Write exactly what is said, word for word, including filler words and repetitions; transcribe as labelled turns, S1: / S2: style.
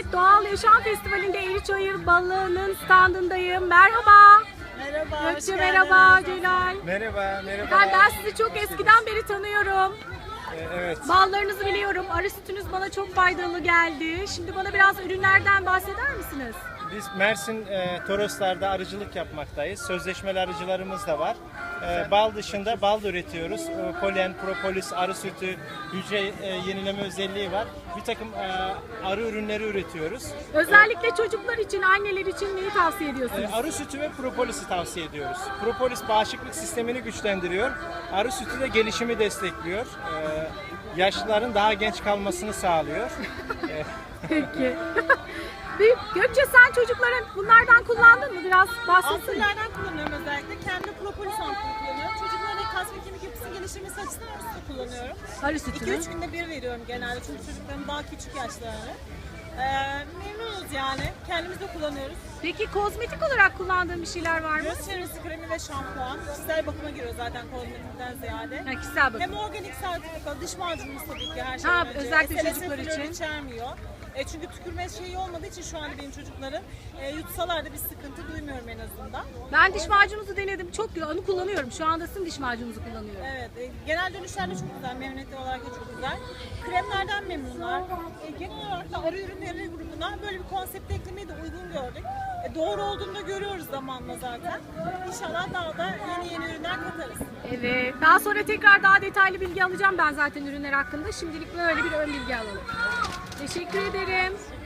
S1: Evet, Doğal Yaşam Festivali'nde Eğriçayır Balı'nın standındayım. Merhaba.
S2: Merhaba.
S1: Gökçe merhaba, Celal.
S3: Merhaba, merhaba.
S1: Ben, ben sizi çok eskiden beri tanıyorum.
S3: Ee, evet.
S1: Ballarınızı biliyorum. Arı sütünüz bana çok faydalı geldi. Şimdi bana biraz ürünlerden bahseder misiniz?
S3: Biz Mersin e, Toroslar'da arıcılık yapmaktayız. Sözleşmeli arıcılarımız da var. E, bal dışında bal da üretiyoruz. E, polen, propolis, arı sütü, hücre e, yenileme özelliği var. Bir takım e, arı ürünleri üretiyoruz.
S1: Özellikle çocuklar için, anneler için neyi tavsiye ediyorsunuz?
S3: E, arı sütü ve propolisi tavsiye ediyoruz. Propolis bağışıklık sistemini güçlendiriyor. Arı sütü de gelişimi destekliyor. E, yaşlıların daha genç kalmasını sağlıyor. E,
S1: Peki. Bir- Gökçe sen çocukların bunlardan kullandın mı? Biraz bahsetsene.
S2: Ampullerden kullanıyorum özellikle. Kendi propolis ampulü kullanıyorum. Çocukların kas ve kemik yapısının geliştirmesi açısından arı sütü kullanıyorum.
S1: Arı
S2: iki
S1: sütünü.
S2: üç günde bir veriyorum genelde çünkü çocukların daha küçük yaşlarını. Ee, memnunuz yani. Kendimiz de kullanıyoruz.
S1: Peki kozmetik olarak kullandığın bir şeyler var mı?
S2: Göz çevresi kremi ve şampuan. Kişisel bakıma giriyor zaten kozmetikten ziyade.
S1: Ha, kişisel bakım.
S2: Hem organik sertifika, dış macunumuz tabii ki her şeyden
S1: Ha,
S2: önce.
S1: özellikle
S2: S L S
S1: çocuklar
S2: florür
S1: için.
S2: içermiyor. E çünkü tükürme şeyi olmadığı için şu anda benim çocukların e, yutsalar da bir sıkıntı duymuyorum en azından.
S1: Ben diş macununuzu denedim. Çok güzel. Onu kullanıyorum. Şu anda sizin diş macununuzu kullanıyorum.
S2: Evet, e, genel dönüşler de çok güzel, memnuniyetli olarak da çok güzel. Kremlerden memnunlar. E, genel olarak da arı ürünleri grubuna böyle bir konsept eklemeyi de uygun gördük. E, doğru olduğunu da görüyoruz zamanla zaten. İnşallah daha da yeni yeni ürünler katarız.
S1: Evet. Daha sonra tekrar daha detaylı bilgi alacağım ben zaten ürünler hakkında. Şimdilik böyle bir ön bilgi alalım. Teşekkür ederim.